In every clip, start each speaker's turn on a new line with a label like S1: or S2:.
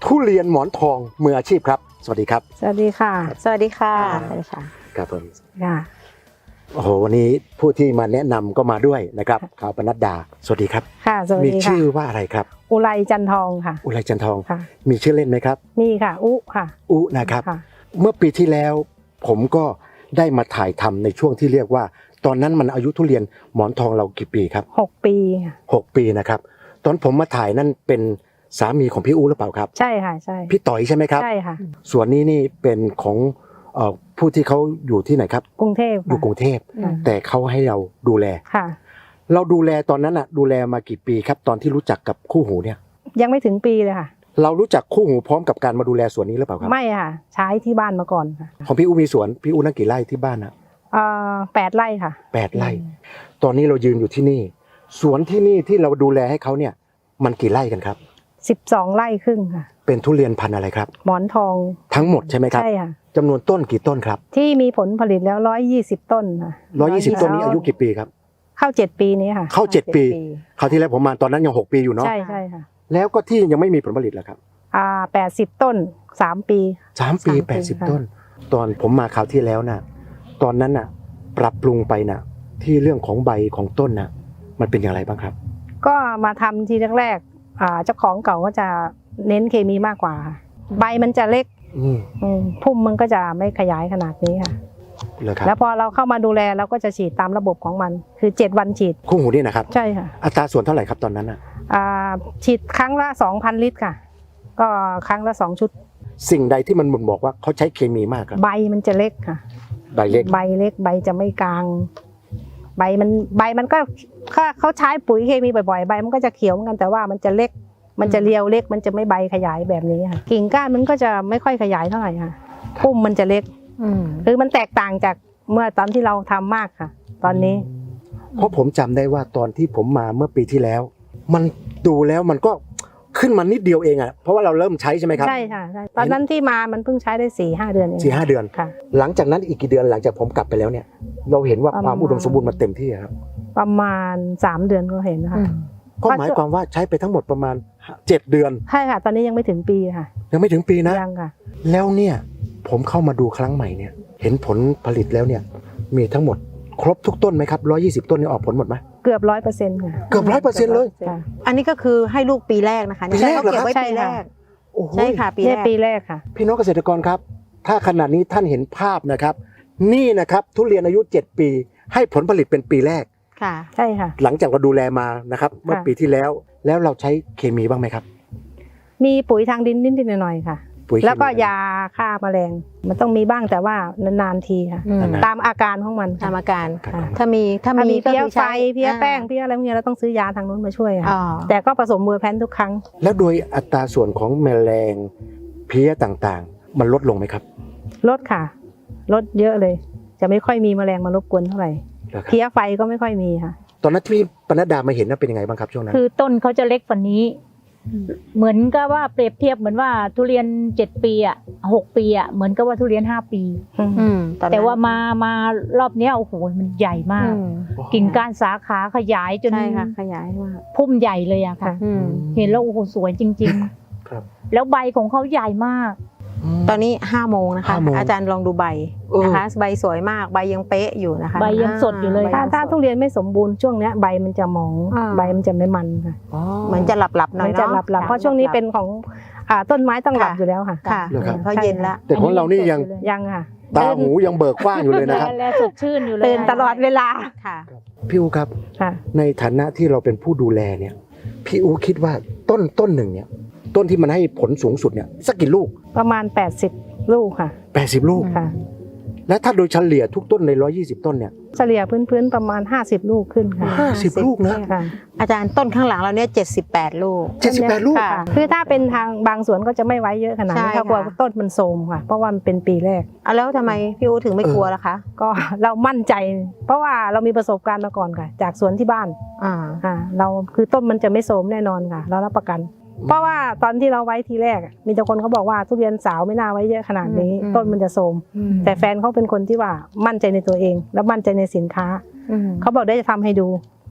S1: ทุเรียนหมอนทองมืออาชีพครับสวัสดีครับ
S2: สวัสดีค่ะ
S3: สวัสดีค่ะสวัสดีค่ะ
S1: ครับผม
S2: ค่ะ
S1: โอ้โหวันนี้ผู้ที่มาแนะนำก็มาด้วยนะครับข่าวปนัดดาสวัสดีครับ
S2: ค่ะสวัส
S1: มี
S2: ดีค่ะ
S1: ชื่อว่าอะไรครับ
S2: อุไรจันทองค่ะ
S1: อุไรจันทอง
S2: ค่ะ
S1: มีชื่อเล่นไหมครับ
S2: มีค่ะอุค่ะ
S1: อุนะครับ
S2: ค่ะ
S1: เมื่อปีที่แล้วผมก็ได้มาถ่ายทำในช่วงที่เรียกว่า ตอนนั้นมันอายุทุเรียนหมอนทองเรากี่ปีครับ
S2: 6 ปีค่ะ
S1: 6 ปีนะครับตอนผมมาถ่ายนั่นเป็นสามีของพี่อุหรือเปล่าครับ
S2: ใช่ค่ะใช่
S1: พี่ต่อยใช่ไหมครับ
S2: ใช่ค่ะ
S1: ส่วนนี้นี่เป็นของผู้ที่เขาอยู่ที่ไหนครับ
S2: กรุงเทพ
S1: อยู่กรุงเทพ
S2: ค่ะ
S1: แต่เขาให้เราดูแล
S2: ค่ะ
S1: เราดูแลตอนนั้นดูแลมากี่ปีครับตอนที่รู้จักกับคู่หูเนี่ย
S2: ยังไม่ถึงปีเลยค่ะ
S1: เรารู้จักคู่หูพร้อมกับการมาดูแลสวนนี้หรือเปล่าครับ
S2: ไม่ค่ะ ใช้ที่บ้านมาก่อนค่ะ
S1: ของพี่อูมีสวนพี่อูนั่งกี่ไร่ที่บ้านนะ
S2: 8 ไร่ค่ะ
S1: 8 ไร่ตอนนี้เรายืนอยู่ที่นี่สวนที่นี่ที่เราดูแลให้เขาเนี่ยมันกี่ไร่กันครับ
S2: 12 ไร่ครึ่งค่ะ
S1: เป็นทุเรียนพันธุ์อะไรครับ
S2: หมอนทอง
S1: ทั้งหมดใช่ไหมครับ
S2: ใช่ค่ะ
S1: จำนวนต้นกี่ต้นครับ
S2: ที่มีผลผลิตแล้ว120 ต้นค่ะ
S1: 120 ต้นนี้อายุกี่ปีครับ
S2: เข้า 7 ปีนี้ค่ะ
S1: เข้า7 ปีคราวที่แล้วผมมาตอนนั้นยัง6 ปีอยู่เนาะ
S2: ใช่ใช่ค่ะ
S1: แล้วก็ที่ยังไม่มีผลผลิตแล้วครับ
S2: 80 ต้น 3 ปี
S1: 3 ปี 80 ต้น ตอนผมมาคราวที่แล้วน่ะตอนนั้นน่ะปรับปรุงไปน่ะที่เรื่องของใบของต้นน่ะมันเป็นอย่างไรบ้างครับ
S2: ก็มาทำทีแรกๆเจ้าของเก่าก็จะเน้นเคมีมากกว่าค่ะใบมันจะเล็ก พุ่มมันก็จะไม่ขยายขนาดนี้ค่ะ
S1: เลยครับ
S2: แล้วพอเราเข้ามาดูแลเราก็จะฉีดตามระบบของมันคือ7 วันฉีด
S1: คู่หูนี่นะครับ
S2: ใช่ค่ะ
S1: อัตราส่วนเท่าไหร่ครับตอนนั้นน่ะ
S2: ฉีดครั้งละ 2,000 ลิตรค่ะ ก็ครั้งละ2 ชุด
S1: สิ่งใดที่มันบ่งบอกว่าเขาใช้เคมีมากครับ
S2: ใบมันจะเล็กค่ะ
S1: ใบเล็ก
S2: ใบเล็กใบจะไม่กลาง ใบมันก็ถ้าเขาใช้ปุ๋ยเคมีบ่อยๆใบมันก็จะเขียวเหมือนกันแต่ว่ามันจะเล็ก มันจะเรียวเล็ก มันจะไม่ใบขยายแบบนี้ค่ะกิ่งก้านมันก็จะไม่ค่อยขยายเท่าไหร่ค่ะพุ่มมันจะเล็กคือมันแตกต่างจากเมื่อตอนที่เราทำมากค่ะ ตอนนี้
S1: เพราะผมจำได้ว่าตอนที่ผมมาเมื่อปีที่แล้ว มันดูแล้วมันก็ขึ้นมานิดเดียวเองเพราะว่าเราเริ่มใช้ใช่ไหมครับ
S2: ใช่ค่ะใช่ตอนนั้นที่มามันเพิ่งใช้ได้4-5 เดือนเอง
S1: 4-5 เดือน
S2: ค่ะ
S1: หลังจากนั้นอีกกี่เดือนหลังจากผมกลับไปแล้วเนี่ย เราเห็นว่าความอุดมสมบูรณ์มันเต็มที่ครับ
S2: ประมาณ3 เดือนก็เห็นนะคะ
S1: ก็หมายความว่าใช้ไปทั้งหมดประมาณ7 เดือน
S2: ใช่ค่ะ ตอนนี้ยังไม่ถึงปีค่ะ
S1: ยังไม่ถึงปีนะ
S2: ยังค่ะ
S1: แล้วเนี่ยผมเข้ามาดูครั้งใหม่เนี่ยเห็นผลผลิตแล้วเนี่ยมีทั้งหมดครบทุกต้นไหมครับ120 ต้นนี่ออกผลหมดไหม
S2: เกือบ100%ค่ะ
S1: เกือบ100%เลย
S2: ค่ะ
S3: อันนี้ก็คือให้ลูกปีแรกนะคะ
S1: ปีแรกเหรอครับ
S3: เขาเก็บไว้ปีแรก
S1: โอ้โห
S3: ใช่ค่ะปี
S2: เนี่
S3: แร
S2: ย
S3: ก
S2: ปีแรกค่ะ
S1: พี่น้องเกษตรกรครับ ถ้าขนาดนี้ท่านเห็นภาพนะครับ นี่นะครับทุเรียนอายุ7 ปีให้ผลผลิตเป็นปีแรก
S3: ค่ะ
S2: ใช่ค่ะ
S1: หลังจากเราดูแลมานะครับเมื่อปีที่แล้วเราใช้เคมีบ้างไหมครับ
S2: มีปุ๋ยทางดินนิดๆหน่อยๆค่ะ
S1: ปุ๋ยเคมี
S2: แล้วก็ยาฆ่าแมลงมันต้องมีบ้างแต่ว่านานๆทีค่ะ
S3: อืม
S2: ตามอาการของมัน
S3: ตามอาการ
S1: ครับ
S3: ถ้ามี
S2: ถ้ามี
S3: ก็
S2: เพี้ย
S3: คือ
S2: ไฟ
S3: ใช้
S2: เพี้ยแป้งเพี้ยอะไรพวกนี้เราต้องซื้อยาทางนู้นมาช่วยค่ะ
S3: อ๋อ
S2: แต่ก็ผสมเวอร์แพนทุกครั้ง
S1: แล้วโดยอัตราส่วนของแมลงเพี้ยต่างๆ มันลดลงไหมครับ
S2: ลดค่ะ ลดเยอะเลย จะไม่ค่อยมีแมลงมารบกวนเท่าไหร่
S1: นะครับ
S2: เพี้ยไฟก็ไม่ค่อยมีค่ะ
S1: ตอนนั้นที่ปนัดดามาเห็นเป็นยังไงบ้างครับช่วงนั้น
S4: คือต้นเขาจะเล็กกว่านี้ เหมือนกับว่าเปรียบเทียบเหมือนว่าทุเรียน7 ปี6 ปีเหมือนกับว่าทุเรียน5 ปี
S3: ตอนนั้น
S4: แต่ว่ามารอบเนี้ยโอ้โหมันใหญ่มาก กิ่งก้านสาขาขยายจน
S3: ใช่ค่ะขยายมาก
S4: พุ่มใหญ่เลยอะค่ะ เห็นแล้วโอ้โหสวยจริง
S1: ครับ
S4: ๆ แล้วใบของเขาใหญ่มาก
S3: ตอนนี้5 โมงนะคะ
S1: 5 โมง
S3: อาจารย์ลองดูใบนะคะใบสวยมากใบยังเป๊ะอยู่นะคะ
S4: ใบยังสดอยู่เลย
S3: ใบ
S2: ถ้าทุเรียนไม่สมบูรณ์ช่วงเนี้ยใบมันจะหมอง
S3: อ่า
S2: ใบมันจะไม่มันค่ะ
S3: เหมือนจะหลับๆหน่อ
S2: มั
S3: ย
S2: น
S3: เนาะ
S2: จะหลับๆเพราะช่วงนี้เป็นของต้นไม้ต้องหลับอยู่แล้วค่ะ
S3: ค่ะ
S1: เหรอครับ
S3: เขาเย็นละ
S1: แต่ของเรานี่ยัง
S2: ยังค่ะ
S1: ตาหูยังเบิกกว้างอยู่เลยนะครับ
S4: และสดชื่นอยู่เลย
S2: ตื่นตลอดเวลา
S3: ค่ะ
S1: พี่อูครับ
S2: ค่ะ
S1: ในฐานะที่เราเป็นผู้ดูแลเนี่ยพี่อูคิดว่าต้นหนึ่งเนี่ยต้นที่มันให้ผลสูงสุดเนี่ยสักกี่ลูก
S2: ประมาณ80 ลูกค่ะ
S1: 80 ลูก
S2: ค่ะ
S1: และถ้าโดยเฉลี่ยทุกต้นใน120 ต้นเนี่ย
S2: เฉลี่ยพื้นๆประมาณ50 ลูกขึ้นค่ะ
S1: 50 ลูกนะ
S2: ค่ะ
S3: อาจารย์ต้นข้างหลังเราเนี่ย78 ลูก
S1: 78 ลูก
S3: ค่ะ
S2: คือถ้าเป็นทางบางสวนก็จะไม่ไว้เยอะขนาดนี้
S3: ใช่
S2: ถ้ากลัว
S3: ค่ะ
S2: ต้นมันโทรมค่ะ เพราะว่ามันเป็นปีแรก
S3: เอาแล้วทำไมพี่อูถึงไม่กลัวล่ะคะ
S2: ก็ เรามั่นใจ เพราะว่าเรามีประสบการณ์มาก่อนค่ะ จากสวนที่บ้าน เราคือต้นมันจะไม่โทรมแน่นอนค่ะ เรารับประกัน เพราะว่าตอนที่เราไว้ทีแรกมีแต่คนเขาบอกว่าทุเรียนสาวไม่น่าไว้เยอะขนาดนี้ ต้นมันจะโทรมแต่แฟนเขาเป็นคนที่ว่ามั่นใจในตัวเอง และมั่นใจในสินค้าเขาบอกได้จะทำให้ดู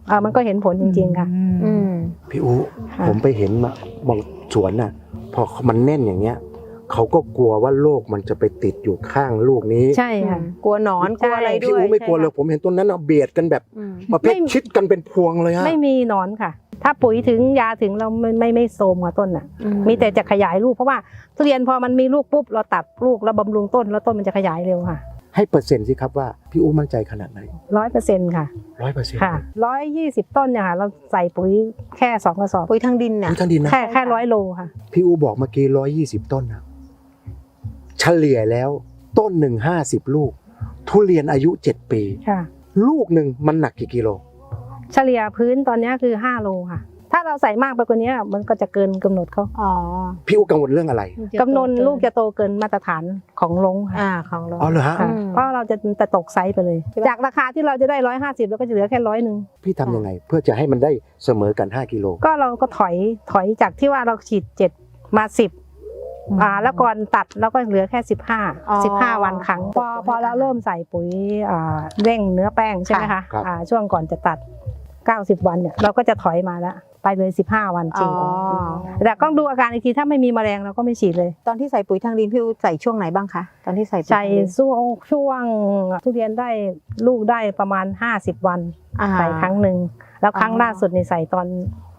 S2: มันก็เห็นผลจริงๆค่ะ
S3: อืม
S1: พี่อู
S2: ค่ะ
S1: ผมไปเห็นมาบางสวนน่ะ พอมันแน่นอย่างเงี้ยเขาก็กลัวว่าโรคมันจะไปติดอยู่ข้างลูกนี้
S2: ใช่ค่ะ
S3: กลัวหนอนกลัวอะไร
S1: พี่
S3: ด้วย
S1: อูไม่กลัวเลย
S3: ใช่
S1: ผมเห็นต้นนั้นเอาเบียดกันแบบ
S3: อืม
S1: ประเภทชิดกันเป็นพวงเลยฮะ
S2: ไม่มีหนอนค่ะ ถ้าปุ๋ยถึงยาถึงเราไม่โทรมกับต้นอ่ะ มีแต่จะขยายลูกเพราะว่าทุเรียนพอมันมีลูกปุ๊บเราตัดลูกแล้วบำรุงต้นแล้วต้นมันจะขยายเร็วค่ะ
S1: ให้เปอร์เซ็นต์สิครับว่าพี่อูมั่นใจขนาดไหน
S2: 100%ค่ะ
S1: 100%
S2: ค่ะ120 ต้นเนี่ยค่ะเราใส่ปุ๋ยแค่2 กระสอบ
S3: ปุ๋ยทางดินน่ะ
S1: พี่ท่านดินนะ
S2: แค่100 โลค่ะ
S1: พี่อูบอกเมื่อกี้120 ต้นนะเฉลี่ยแล้วต้นหนึ่ง50 ลูก ทุเรียนอายุ 7 ปี
S2: ค่ะ
S1: ลูกหนึ่งมันหนักกี่กิโล
S2: เฉลี่ยพื้นตอนนี้คือ5 โลค่ะ ถ้าเราใส่มากไปกว่านี้มันก็จะเกินกำหนดเขา
S3: อ๋อ
S1: พี่อูกังวลเรื่องอะไร
S2: กำหนดลูกจะโตเกินมาตรฐานของลงค่ะ
S3: ของเรา
S1: อ๋อเหรอฮะ
S2: ค่ะ
S3: อืม
S2: เพราะเราจะตกไซส์ไปเลย จากราคาที่เราจะได้150แล้วก็จะเหลือแค่100
S1: พี่ทำยังไง เพื่อจะให้มันได้เสมอกัน5กิโล
S2: ก็เราก็ถอยจากที่ว่าเราฉีด7มา10แล้วก่อนตัดเราก็เหลือแค่15 วันครั้งพอเราเริ่มใส่ปุ๋ยเร่งเนื้อแป้งใช่ไหมคะ
S1: ครับ
S2: ช่วงก่อนจะตัด90 วันเนี่ยเราก็จะถอยมาแล้วไปเลย15 วันจริง
S3: อ๋อ
S2: แต่ต้องดูอาการอีกทีถ้าไม่มีแมลงเราก็ไม่ฉีดเลย
S3: ตอนที่ใส่ปุ๋ยทางดินพี่อูใส่ช่วงไหนบ้างคะตอนที่ใส่ปุ๋ย
S2: ใส่
S3: ทางดิน
S2: ช่วงทุเรียนได้ลูกได้ประมาณ50 วัน ใส่ครั้งหนึ่งแล้วครั้ง
S3: อ๋อ
S2: ล่าสุดนี่ใส่ตอน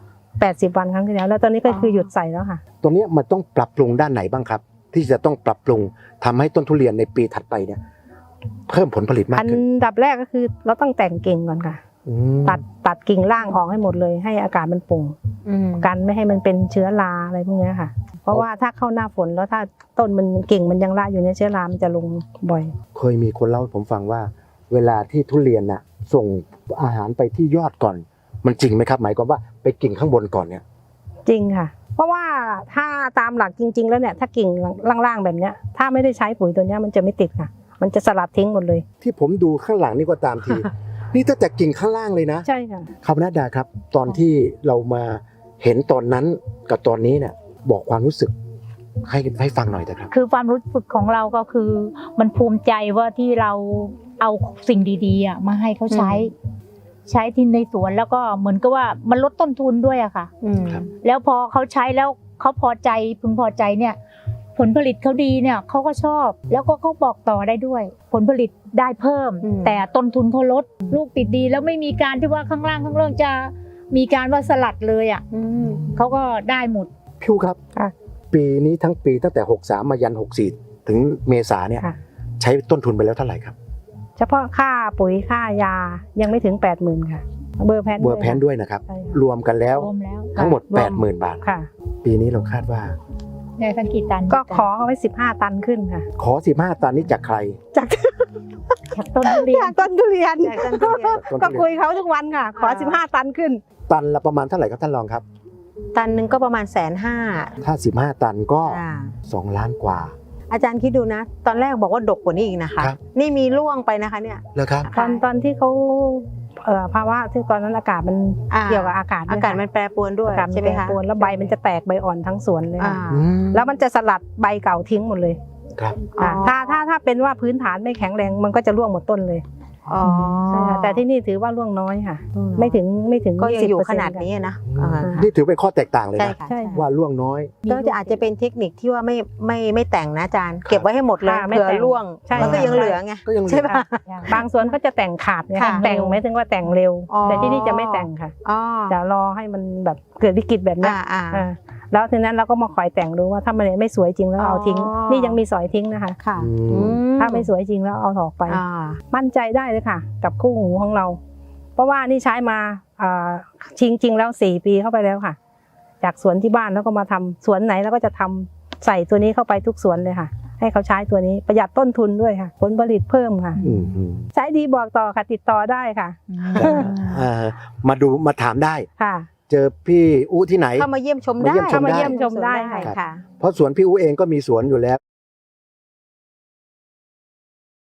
S2: 80 วันครั้งที่แล้วแล้วตอนนี้ก็คือหยุดใส่แล้วค่ะ
S1: ตัวเนี้ยมันต้องปรับปรุงด้านไหนบ้างครับ ที่จะต้องปรับปรุงทำให้ต้นทุเรียนในปีถัดไปเนี่ย เพิ่มผลผลิตมาก
S2: อัน
S1: ขึ้น
S2: ดับแรกก็คือเราต้องแต่งกิ่งก่อนค่ะ
S1: อืม
S2: ตัดกิ่งล่างออกให้หมดเลยให้อากาศมันโปร่ง กันไม่ให้มันเป็นเชื้อราอะไรพวกเนี้ยค่ะ เพราะว่าถ้าเข้าหน้าฝนแล้วถ้าต้นมันกิ่งมันยังละอยู่ในเชื้อรามันจะลงบ่อย
S1: เคยมีคนเล่าให้ผมฟังว่า เวลาที่ทุเรียนน่ะ ส่งอาหารไปที่ยอดก่อน มันจริงไหมครับ หมายความว่าไปกิ่งข้างบนก่อนเนี่ย
S2: จริงค่ะ เพราะว่าถ้าตามหลักจริง ๆ แล้วเนี่ยถ้ากิ่งล่างๆแบบเนี้ยถ้าไม่ได้ใช้ปุ๋ยตัวเนี้ยมันจะไม่ติดค่ะ มันจะสลัดทิ้งหมดเลย
S1: ที่ผมดูข้างหลังนี่ก็ตามที นี่ตั้งแต่กิ่งข้างล่างเลยนะ
S2: ใช่ค่ะ
S1: ครับนัดดาครับ ตอนที่เรามาเห็นตอนนั้นกับตอนนี้เนี่ย บอกความรู้สึกให้ฟังหน่อยนะครับ
S4: คือความรู้สึกของเราก็คือ มันภูมิใจว่าที่เราเอาสิ่งดีๆมาให้เขาใช้ ใช้ที่ในสวนแล้วก็เหมือนกับว่ามันลดต้นทุนด้วยอะค่ะ
S1: ครับ
S4: แล้วพอเขาใช้แล้วเขาพอใจพึงพอใจเนี่ย ผลผลิตเขาดีเนี่ยเขาก็ชอบ แล้วก็เขาบอกต่อได้ด้วย ผลผลิตได้เพิ่ม แต่ต้นทุนเขาลดลูกติดดี แล้วไม่มีการที่ว่าข้างล่างจะมีการว่าสลัดเลยอ่ะเขาก็ได้หมด
S1: พิวครับ
S2: ค่ะ
S1: ปีนี้ทั้งปีตั้งแต่63มายัน64ถึงเมษาเนี่ย
S2: ค่ะ
S1: ใช้ต้นทุนไปแล้วเท่าไหร่ครับ
S2: เฉพาะค่าปุ๋ยค่ายายังไม่ถึง 80,000 ค่ะ เบอร์แพน
S1: เบอร์แพนด้วยนะครับ
S2: ใช่
S1: รวมกันแล้ว
S4: รวมแล้ว
S1: ทั้งหมด
S2: รวม
S1: 80,000 บาท
S2: ค่ะ
S1: ปีนี้เราคาดว่า
S4: ได้สักกี่ตัน
S2: ก็ขอเอาไว้15 ตันขึ้นค่ะ
S1: ขอ15ตันนี้จากใคร
S2: จาก
S4: จากต้นทุเรียน
S2: จากต้นทุเรียน
S3: จากต้นทุเรียน
S1: ต้น
S2: ก็
S1: ทุ
S2: คุ
S1: เรียน
S2: ยเขาทุกวันค่ะ ขอ 15 ตันขึ้น
S1: ตันละประมาณเท่าไหร่ครับท่านรองครับ
S3: ตันหนึ่งก็ประมาณ150,000
S1: ถ้า15ตันก็ 2 ล้านกว่า
S3: อาจารย์คิดดูนะ ตอนแรกบอกว่าดกกว่านี้อีกนะคะ
S1: ครับ
S3: นี่มีร่วงไปนะคะเนี่ย
S1: เลยครับ
S2: ตอนที่เขาภาวะที่ตอนนั้นอากาศมัน
S3: อ่า
S2: เกี่ยวกับอากาศด้ว
S3: อาย กาศมันแปรปรวนด้วย
S2: อากาศมัน
S3: ใช่ไหม
S2: แปร
S3: คะ
S2: ปรวนแล้วใบมันจะแตกใบอ่อนทั้งสวนเลย
S3: อ่า
S2: ค่ะ
S1: อืม
S2: แล้วมันจะสลัดใบเก่าทิ้งหมดเลย
S1: ครับ
S3: อ๋อ
S2: ถ้าเป็นว่าพื้นฐานไม่แข็งแรงมันก็จะร่วงหมดต้นเลย
S3: อ๋อ
S2: ใช่ค่ะแต่ที่นี่ถือว่าร่วงน้อยค่ะ ไม่ถึง
S3: ก็ยังอยู่
S2: 20%
S3: ขนาดนี้นะ
S1: อืม
S3: อ่า
S1: นี่ถือเป็นข้อแตกต่างเลย
S3: ใช่
S1: นะ
S3: ค่ะ
S2: ใช่
S1: ว่าล่วงน้อย
S3: ก็จะอาจจะเป็นเทคนิคที่ว่าไม่แต่งนะอาจารย์ เก็บไว้ให้หมดเลย
S2: ค่ะไม่
S3: เผื่อ
S2: แต่ง
S3: ร่วง
S2: ใช่
S3: มันก็ยังเหลือไง
S1: ก็ยังเหลือ
S3: ใช่ปะ
S2: บางสวนก็จะแต่งขาดเนี่ย
S3: ค่ะ
S2: แต่งไม่ถึงว่าแต่งเร็ว
S3: อ๋อ
S2: แต่ที่นี่จะไม่แต่งค่ะ
S3: อ๋อ
S2: จะรอให้มันแบบเกิดวิกฤตแบบเนี้ย
S3: อ่า
S2: แล้วทีนั้นเราก็มาคอยแต่งดูว่าถ้ามันไม่สวยจริงแล้วเอาทิ้ง
S3: อ๋อ
S2: นี่ยังมีสอยทิ้งนะคะ
S3: ค่ะ
S1: อืม
S3: อืม
S2: ถ้าไม่สวยจริงแล้วเอาออกไป
S3: อ่า
S2: มั่นใจได้เลยค่ะ กับคู่หูของเรา เพราะว่านี่ใช้มาจริงแล้ว4 ปีเข้าไปแล้วค่ะ จากสวนที่บ้านแล้วก็มาทำสวนไหนแล้วก็จะทำใส่ตัวนี้เข้าไปทุกสวนเลยค่ะ ให้เขาใช้ตัวนี้ประหยัดต้นทุนด้วยค่ะ ผลผลิตเพิ่มค่ะ
S1: อืมอืม
S2: ใช้ดีบอกต่อค่ะติดต่อได้ค่ะ
S1: มาถามได้
S2: ค่ะ
S1: เจอพี่อู้ที่ไหน
S3: เข้ามาเยี่ยมชมได้
S1: มาเยี่ยมชมได้
S2: เข้ามาเยี่ยมชมได้
S3: ค่ะ
S1: เพราะสวนพี่อู้เองก็มีสวนอยู่แล้ว